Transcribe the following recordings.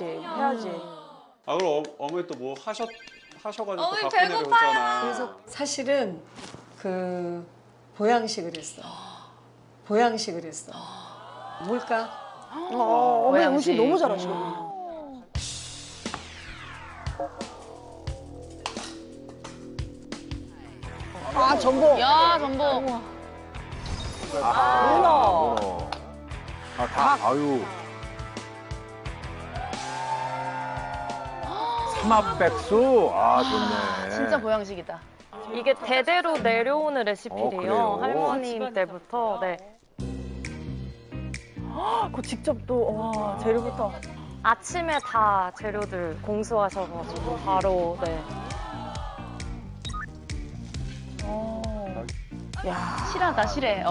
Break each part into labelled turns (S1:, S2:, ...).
S1: 그렇지. 해야지.
S2: 아 그럼 어머니 또 뭐 하셔가지고
S3: 어머니
S2: 바쁜 애를
S3: 배고파요.
S2: 오잖아.
S4: 그래서 사실은 그 보양식을 했어. 보양식을 했어. 뭘까?
S1: 어머니 음식 너무 잘하시거든요. 아, 전복.
S3: 야, 전복.
S1: 문어.
S5: 아, 닭. 아유. 삼합백수. 아, 좋네.
S3: 진짜 보양식이다.
S6: 이게 대대로 내려오는 레시피래요.
S5: 그래요?
S6: 할머님 때부터. 네.
S1: 그 직접 또, 와, 재료부터.
S6: 아침에 다 재료들 공수하셔가지고 바로 네.
S3: 실하다, 실해.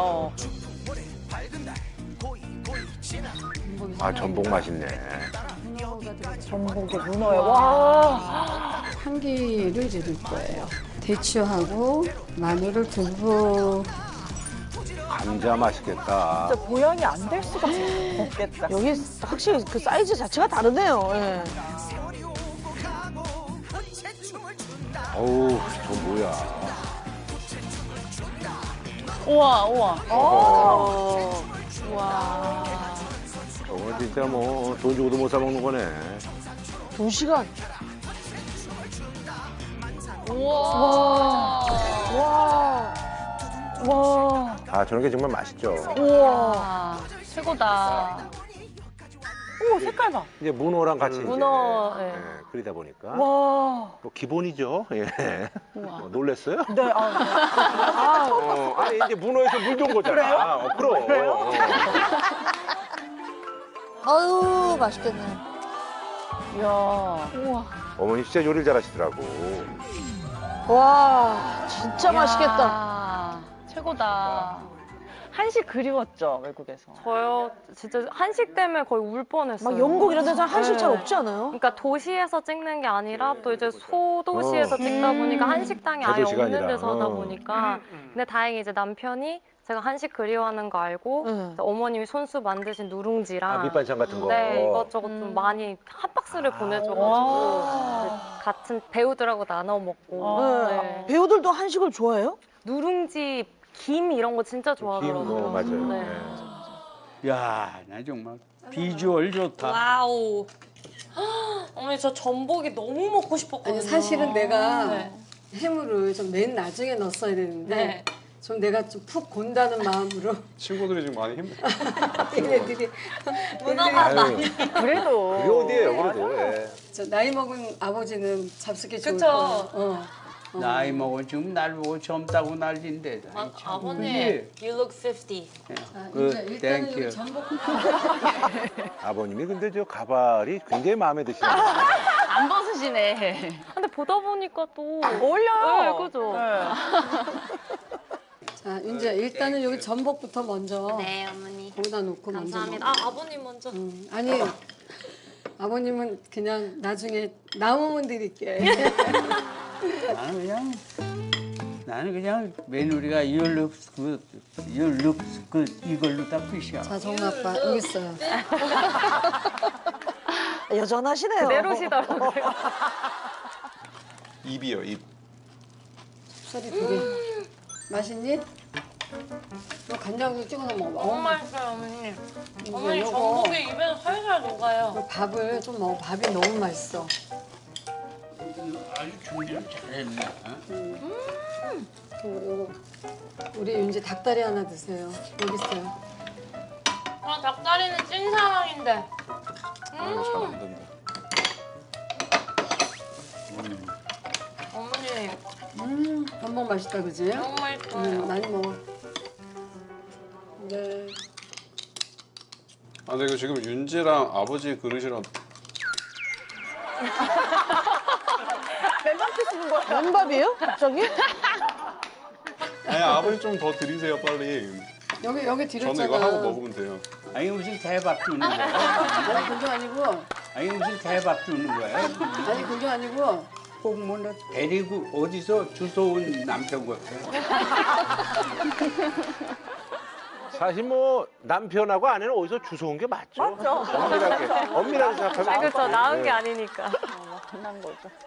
S5: 아, 전복 맛있네.
S1: 전복에 문어에. 와.
S4: 향기를 드릴 거예요. 대추하고 마늘을 두부.
S5: 감자 맛있겠다.
S1: 진짜 보양이 안 될 수가 없겠다. 여기 확실히 그 사이즈 자체가 다르네요. 예.
S5: 어우, 저 뭐야.
S3: 우와, 우와.
S1: 와.
S5: 저거 진짜 뭐 돈 주고도 못 사 먹는 거네.
S1: 2시간.
S3: 우와.
S1: 와. 와.
S5: 아, 저런 게 정말 맛있죠.
S1: 우와.
S3: 아, 최고다.
S1: 어머, 색깔 봐.
S5: 이제 문어랑 같이
S6: 문어,
S5: 이제
S6: 네.
S5: 끓이다 보니까
S1: 와.
S5: 뭐 기본이죠. 예. 놀랬어요?
S1: 네,
S5: 아니 이제 문어에서 물 좋은 거잖아. 그래요? 그럼.
S7: 아유 맛있겠네.
S1: 이야.
S5: 어머니 진짜 요리를 잘하시더라고.
S1: 와, 진짜 맛있겠다.
S3: 야, 최고다.
S1: 한식 그리웠죠, 외국에서.
S6: 저요 진짜 한식 때문에 거의 울 뻔했어요.
S1: 막 영국 이런 데서 한식 잘
S6: 네.
S1: 없지 않아요?
S6: 그러니까 도시에서 찍는 게 아니라 또 이제 소도시에서 찍다 보니까 한식당이 아예
S5: 대도시가
S6: 없는
S5: 아니라.
S6: 데서 하다 보니까 근데 다행히 이제 남편이 제가 한식 그리워하는 거 알고
S1: 응.
S6: 어머님이 손수 만드신 누룽지랑
S5: 밑반찬 같은 거.
S6: 네 이것저것 좀 많이 한 박스를 보내줘가지고 같은 배우들하고 나눠 먹고 네.
S1: 배우들도 한식을 좋아해요?
S6: 누룽지 김 이런 거 진짜 좋아하더라고요.
S5: 맞아요.
S6: 네.
S8: 야, 나 정말 비주얼 좋다.
S3: 와우. 어머니, 저 전복이 너무 먹고 싶었거든요.
S4: 아니 사실은 내가
S3: 네.
S4: 해물을 좀 맨 나중에 넣었어야 되는데
S3: 네.
S4: 좀 내가 좀 푹 본다는 마음으로
S2: 친구들이 지금 많이 힘들어.
S4: 얘네들이
S5: 아유,
S1: 그래도.
S5: 그게 어디예요, 그래도. 예.
S4: 저 나이 먹은 아버지는 잡수기 좋을
S3: 그쵸.
S4: 거야.
S8: 나이 먹어 지금 날 보고 젊다고 난리인데.
S3: 아버님, you look 50.
S4: 이제 일단은
S8: 땡큐.
S4: 여기 전복
S5: 아버님이 근데 저 가발이 굉장히 마음에 드시네요.
S3: 안 벗으시네.
S6: 근데 보다 보니까 또
S1: 어울려요.
S6: 네, 그죠.
S4: 자 이제 일단은 여기 전복부터 먼저
S3: 네, 어머니.
S4: 거기다 놓고
S3: 감사합니다.
S4: 먼저
S3: 아, 아버님 먼저.
S4: 아니 아버님은 그냥 나중에 남으면 드릴게.
S8: 나는 그냥 며느리가 your looks good 이걸로 다 끝이야.
S4: 자 정우 아빠 여기 있어요.
S1: 여전하시네요.
S6: 내려오시더라고요.
S2: 입이요, 입.
S4: 쌀이 두 개. 맛있니? 너 간장도 찍어서 먹어봐.
S3: 너무 맛있어요, 어머니. 어머니,
S4: 요거
S3: 전복이 입에서 살살 녹아요.
S4: 그 밥을 좀 먹어. 밥이 너무 맛있어.
S8: 아주 준비를 잘했네.
S4: 요거 우리 윤지 닭다리 하나 드세요. 여기 있어요.
S3: 아, 닭다리는 찐 사랑인데.
S2: 아, 잘안 된다.
S3: 어머니,
S4: 전복 맛있다 그지?
S3: 너무 맛있어요.
S4: 많이 먹어. 네.
S2: 아, 근데 이거 지금 윤지랑 아버지 그릇이랑
S1: 맨밥이에요? 갑자기?
S2: 아니 아버지 좀 더 드리세요 빨리.
S4: 여기
S2: 저는
S4: 드렸잖아.
S2: 이거 하고 먹으면 돼요.
S8: 아니 무슨 대박 주는 거야?
S4: 아니 그게 아니고
S8: 아니 무슨 대박 주는 거야?
S4: 아니 그게 아니고
S8: 꼭뭐 데리고 어디서 주워온 남편 같아.
S5: 사실 뭐 남편하고 아내는 어디서 주워온 게 맞죠?
S1: 맞죠.
S5: 엄밀하게 생각하면.
S6: 그렇죠. 나은 게
S5: 네.
S6: 아니니까.
S1: 만난 거죠.